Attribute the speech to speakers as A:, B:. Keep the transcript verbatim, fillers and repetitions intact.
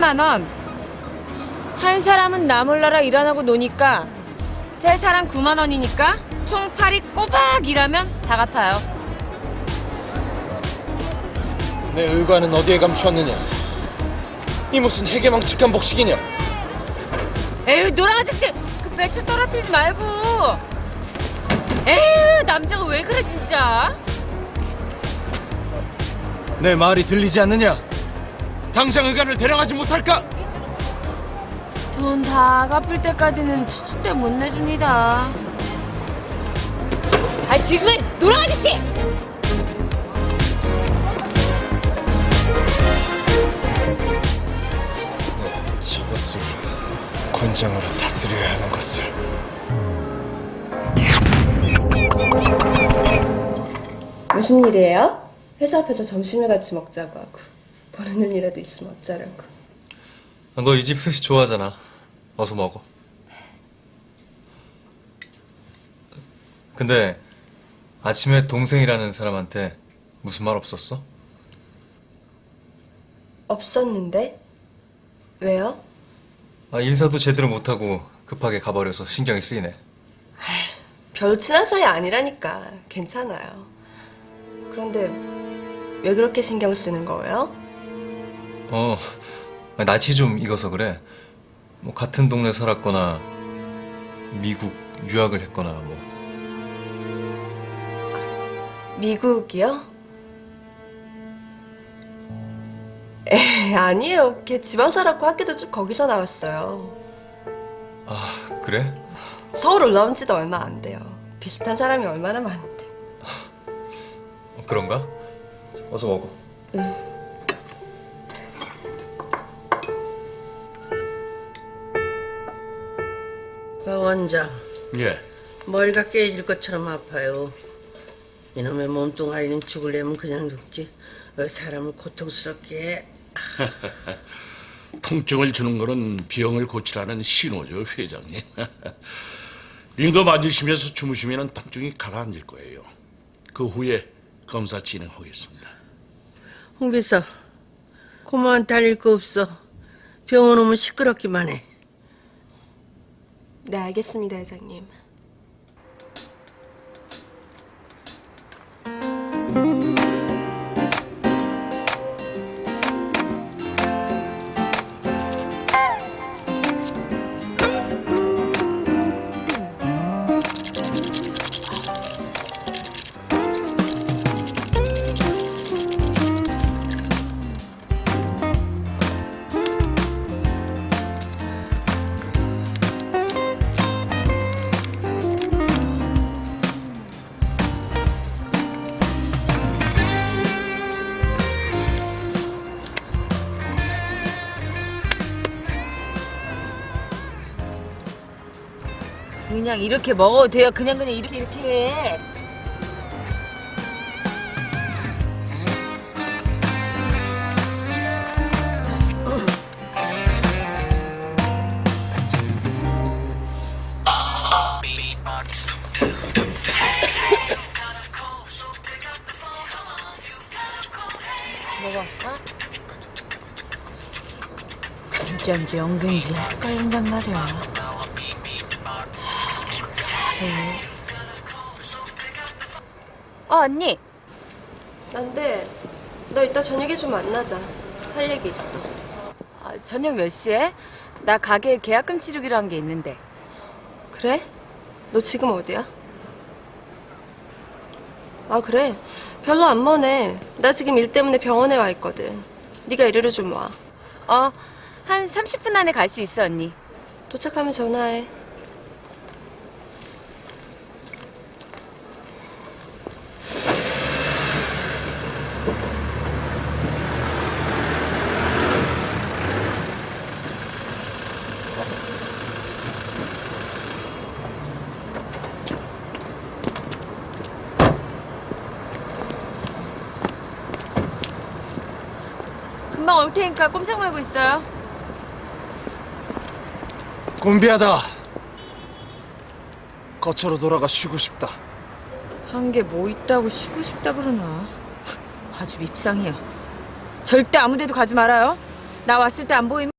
A: 삼십만 원. 한 사람은 나 몰라라 일 안 하고 노니까 세 사람 구만 원이니까 총 팔이 꼬박 일하면 다 갚아요.
B: 내 의관은 어디에 감추었느냐? 이 무슨 해괴망측한 복식이냐?
A: 에휴, 노랑 아저씨, 그 배추 떨어뜨리지 말고. 에휴, 남자가 왜 그래 진짜?
B: 내 말이 들리지 않느냐? 당장 의관을 데려가지 못할까?
A: 돈 다 갚을 때까지는 절대 못 내줍니다. 아, 지금은 노랑 아저씨!
B: 저것을 곤장으로 다스려야 하는 것을.
C: 무슨 일이에요? 회사 앞에서 점심을 같이 먹자고 하고 보는 눈이라도 있으면 어쩌려고.
D: 너 이 집 스시 좋아하잖아. 어서 먹어. 근데 아침에 동생이라는 사람한테 무슨 말 없었어?
C: 없었는데? 왜요?
D: 아, 인사도 제대로 못하고 급하게 가버려서 신경이 쓰이네.
C: 별로 친한 사이 아니라니까 괜찮아요. 그런데 왜 그렇게 신경 쓰는 거예요?
D: 어, 낯이 좀 익어서 그래. 뭐 같은 동네 살았거나 미국 유학을 했거나 뭐.
C: 미국이요? 에 아니에요. 걔 지방 살았고 학교도 쭉 거기서 나왔어요.
D: 아, 그래?
C: 서울 올라온 지도 얼마 안 돼요. 비슷한 사람이 얼마나 많은데.
D: 어, 그런가? 어서 먹어.
E: 박 원장,
F: 예.
E: 머리가 깨질 것처럼 아파요. 이놈의 몸뚱아리는 죽으려면 그냥 죽지 왜 사람을 고통스럽게 해?
F: 통증을 주는 거는 병을 고치라는 신호죠, 회장님. 링거 맞으시면서 주무시면 통증이 가라앉을 거예요. 그 후에 검사 진행하겠습니다.
E: 홍 비서, 고모한테 알릴 거 없어. 병원 오면 시끄럽기만 해.
C: 네, 알겠습니다, 회장님.
A: 그냥 이렇게 먹어도 돼요. 그냥 그냥 이렇게 이렇게 해. 먹어. 어? 진짜인지 연기인지 헷갈린단 말이야. 어, 언니.
C: 난데 너 이따 저녁에 좀 만나자. 할 얘기 있어.
A: 아, 저녁 몇 시에? 나 가게에 계약금 치르기로 한 게 있는데.
C: 그래? 너 지금 어디야? 아, 그래? 별로 안 머네. 나 지금 일 때문에 병원에 와 있거든. 네가 이리로 좀 와.
A: 어, 한 삼십 분 안에 갈 수 있어, 언니.
C: 도착하면 전화해.
A: 금방 올 테니까 꼼짝 말고 있어요.
B: 곤비하다. 거처로 돌아가 쉬고 싶다.
A: 한 게 뭐 있다고 쉬고 싶다 그러나. 아주 밉상이야. 절대 아무 데도 가지 말아요. 나 왔을 때 안 보이면